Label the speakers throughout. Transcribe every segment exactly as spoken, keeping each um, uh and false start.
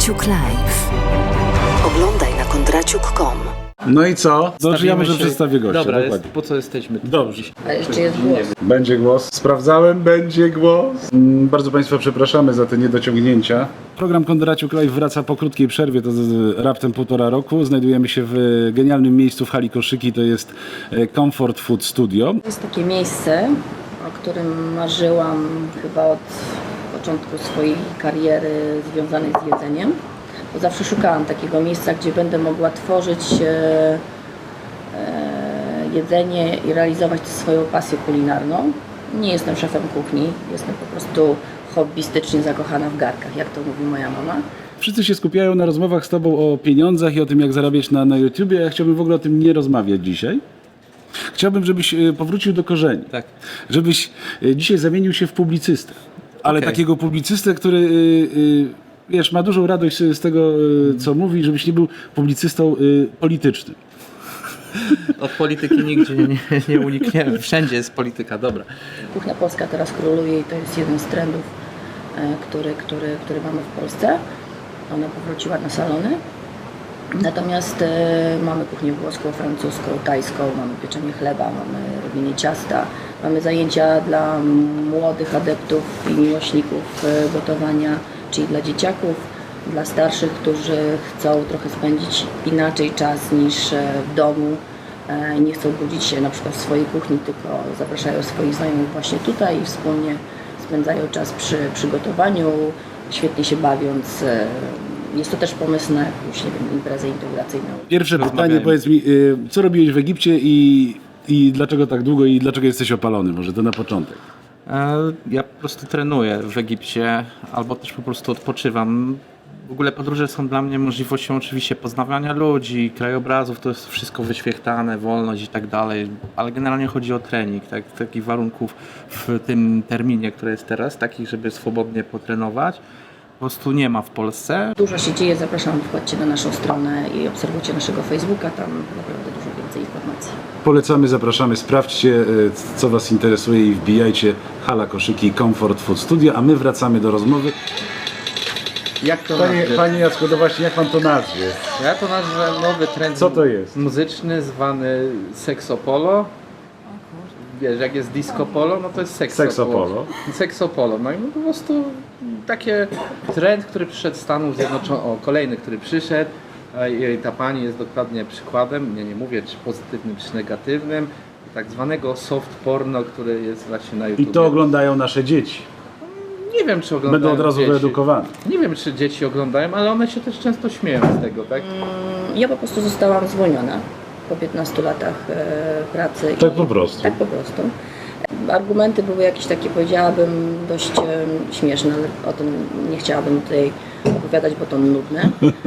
Speaker 1: Kondraciuk Live. Oglądaj na kondraciuk kropka com.
Speaker 2: No i co? Dobrze, ja
Speaker 3: Stawimy
Speaker 2: może
Speaker 3: się-
Speaker 2: przedstawię gościa.
Speaker 3: Dobra, jest,
Speaker 2: dokładnie.
Speaker 3: po co jesteśmy tu?
Speaker 2: Dobrze.
Speaker 4: A jeszcze jest głos.
Speaker 2: Będzie głos. Sprawdzałem, będzie głos. Mm, Bardzo Państwa przepraszamy za te niedociągnięcia. Program Kondraciuk Live wraca po krótkiej przerwie, to z- raptem półtora roku. Znajdujemy się w genialnym miejscu w hali Koszyki, to jest e, Comfort Food Studio.
Speaker 4: To jest takie miejsce, o którym marzyłam chyba od początku swojej kariery związanej z jedzeniem. Bo zawsze szukałam takiego miejsca, gdzie będę mogła tworzyć e, e, jedzenie i realizować tę swoją pasję kulinarną. Nie jestem szefem kuchni, jestem po prostu hobbystycznie zakochana w garkach, jak to mówi moja mama.
Speaker 2: Wszyscy się skupiają na rozmowach z Tobą o pieniądzach i o tym, jak zarabiać na, na YouTubie. Ja chciałbym w ogóle o tym nie rozmawiać dzisiaj. Chciałbym, żebyś e, powrócił do korzeni.
Speaker 3: Tak.
Speaker 2: Żebyś e, dzisiaj zamienił się w publicystę. Ale
Speaker 3: Okej.
Speaker 2: takiego publicystę, który y, y, wiesz, ma dużą radość z z tego, y, co mówi, żebyś nie był publicystą y, politycznym.
Speaker 3: Od polityki nigdzie nie, nie, nie unikniemy. Wszędzie jest polityka, dobra.
Speaker 4: Kuchnia polska teraz króluje i to jest jeden z trendów, e, który, który, który mamy w Polsce. Ona powróciła na salony. Natomiast e, mamy kuchnię włoską, francuską, tajską, mamy pieczenie chleba, mamy robienie ciasta, mamy zajęcia dla młodych adeptów i miłośników e, gotowania, czyli dla dzieciaków, dla starszych, którzy chcą trochę spędzić inaczej czas niż e, w domu. E, Nie chcą budzić się na przykład w swojej kuchni, tylko zapraszają swoich znajomych właśnie tutaj i wspólnie spędzają czas przy przygotowaniu, świetnie się bawiąc. E, Jest to też pomysł na jakąś, nie wiem, imprezę integracyjną.
Speaker 2: Pierwsze pytanie,
Speaker 3: Rozmawiajmy.
Speaker 2: powiedz mi, y, co robiłeś w Egipcie i, i dlaczego tak długo i dlaczego jesteś opalony? Może to na początek.
Speaker 3: E, Ja po prostu trenuję w Egipcie, albo też po prostu odpoczywam. W ogóle podróże są dla mnie możliwością oczywiście poznawania ludzi, krajobrazów, to jest wszystko wyświechtane, wolność i tak dalej, ale generalnie chodzi o trening, tak, takich warunków w tym terminie, który jest teraz, takich, żeby swobodnie potrenować, po prostu nie ma w Polsce.
Speaker 4: Dużo się dzieje, zapraszam, wchodźcie na naszą stronę i obserwujcie naszego Facebooka, tam naprawdę dużo więcej informacji.
Speaker 2: Polecamy, zapraszamy, sprawdźcie, y, co Was interesuje i wbijajcie hala Koszyki Comfort Food Studio, a my wracamy do rozmowy.
Speaker 3: Jak to
Speaker 2: Panie,
Speaker 3: nazwać?
Speaker 2: panie Jacku, no właśnie, jak Pan to nazwie?
Speaker 3: Ja to nazwę nowy trend
Speaker 2: Co to jest?
Speaker 3: muzyczny zwany seksopolo. Wiesz, jak jest disco polo, no to jest seksopolo.
Speaker 2: Seksopolo.
Speaker 3: Seksopolo. No i po prostu takie trend, który przyszedł z Stanów Zjednoczonych, o kolejny, który przyszedł. a i ta pani jest dokładnie przykładem, nie, nie mówię czy pozytywnym, czy negatywnym, tak zwanego soft porno, który jest właśnie na
Speaker 2: I
Speaker 3: YouTube.
Speaker 2: to oglądają nasze dzieci.
Speaker 3: Nie wiem, czy oglądają
Speaker 2: Będą od razu
Speaker 3: dzieci.
Speaker 2: wyedukowane.
Speaker 3: Nie wiem, czy dzieci oglądają, ale one się też często śmieją z tego, tak?
Speaker 4: Ja po prostu zostałam zwolniona po piętnastu latach e, pracy.
Speaker 2: Tak
Speaker 4: i,
Speaker 2: po prostu.
Speaker 4: Tak po prostu. Argumenty były jakieś takie, powiedziałabym, dość e, śmieszne, ale o tym nie chciałabym tutaj opowiadać, bo to nudne.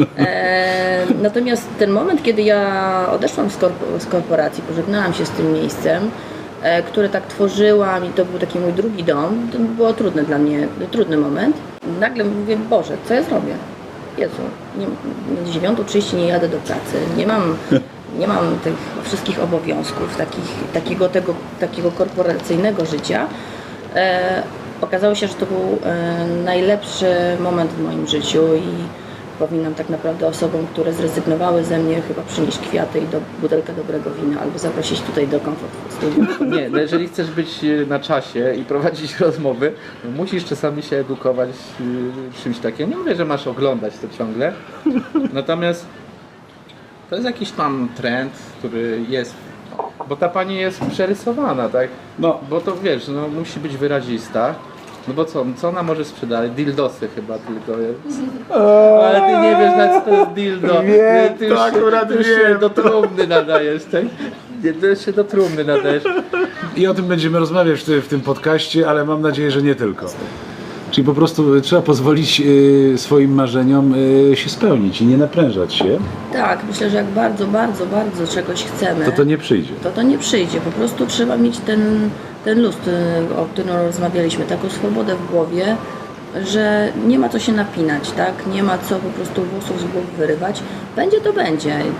Speaker 4: E, natomiast ten moment, kiedy ja odeszłam z, korpo, z korporacji, pożegnałam się z tym miejscem, e, które tak tworzyłam i to był taki mój drugi dom, to było trudne dla mnie, trudny moment. Nagle mówię, Boże, co ja zrobię? Jezu, nie, na dziewiątą trzydzieści nie jadę do pracy, nie mam, nie mam tych wszystkich obowiązków, takich, takiego, tego, takiego korporacyjnego życia. E, okazało się, że to był e, najlepszy moment w moim życiu i powinnam tak naprawdę osobom, które zrezygnowały ze mnie, chyba przynieść kwiaty i do, butelkę dobrego wina albo zaprosić tutaj do Comfort Studio.
Speaker 3: Nie, no jeżeli chcesz być na czasie i prowadzić rozmowy, no musisz czasami się edukować y, czymś takim. Nie mówię, że masz oglądać to ciągle, natomiast to jest jakiś tam trend, który jest, bo ta pani jest przerysowana, tak?
Speaker 2: No.
Speaker 3: Bo to wiesz, no musi być wyrazista. No bo co, co ona może sprzedać? Dildosy chyba tylko jest. Ale ty nie wiesz, na co to jest dildo.
Speaker 2: Wiem,
Speaker 3: ty już
Speaker 2: tak,
Speaker 3: się,
Speaker 2: akurat
Speaker 3: ty już się
Speaker 2: wiem.
Speaker 3: do trumny nadajesz, tak? Nie, ty już się do trumny nadajesz.
Speaker 2: I o tym będziemy rozmawiać w, ty- w tym podcaście, ale mam nadzieję, że nie tylko. Czyli po prostu trzeba pozwolić y, swoim marzeniom y, się spełnić i nie naprężać się,
Speaker 4: Tak, myślę, że jak bardzo, bardzo, bardzo czegoś chcemy,
Speaker 2: to to nie przyjdzie.
Speaker 4: to to nie przyjdzie. Po prostu trzeba mieć ten, ten luz, y, o którym rozmawialiśmy, taką swobodę w głowie, że nie ma co się napinać, tak? Nie ma co po prostu włosów z głowy wyrywać. Będzie to będzie.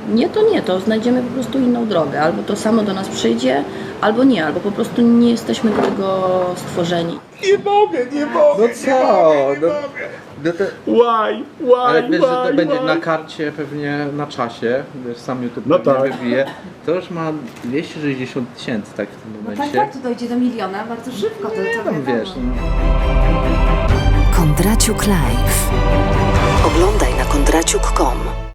Speaker 4: nie, to nie, to znajdziemy po prostu inną drogę. Albo to samo do nas przyjdzie, albo nie, albo po prostu nie jesteśmy do tego stworzeni.
Speaker 2: Nie mogę, nie mogę.
Speaker 3: No co? No, no to,
Speaker 2: Why? Why?
Speaker 3: ale wiesz, że to
Speaker 2: why,
Speaker 3: będzie
Speaker 2: why?
Speaker 3: na karcie pewnie na czasie, wiesz, sam YouTube
Speaker 2: No
Speaker 3: pewnie
Speaker 2: tak.
Speaker 3: wybije. To już ma dwieście sześćdziesiąt tysięcy tak w tym
Speaker 5: No tak,
Speaker 3: momencie.
Speaker 5: tak, to dojdzie do miliona bardzo szybko. To,
Speaker 3: Nie
Speaker 5: to
Speaker 3: tam
Speaker 5: wiadomo.
Speaker 3: wiesz, no.
Speaker 1: Kondraciuk Live. Oglądaj na kondraciuk kropka com.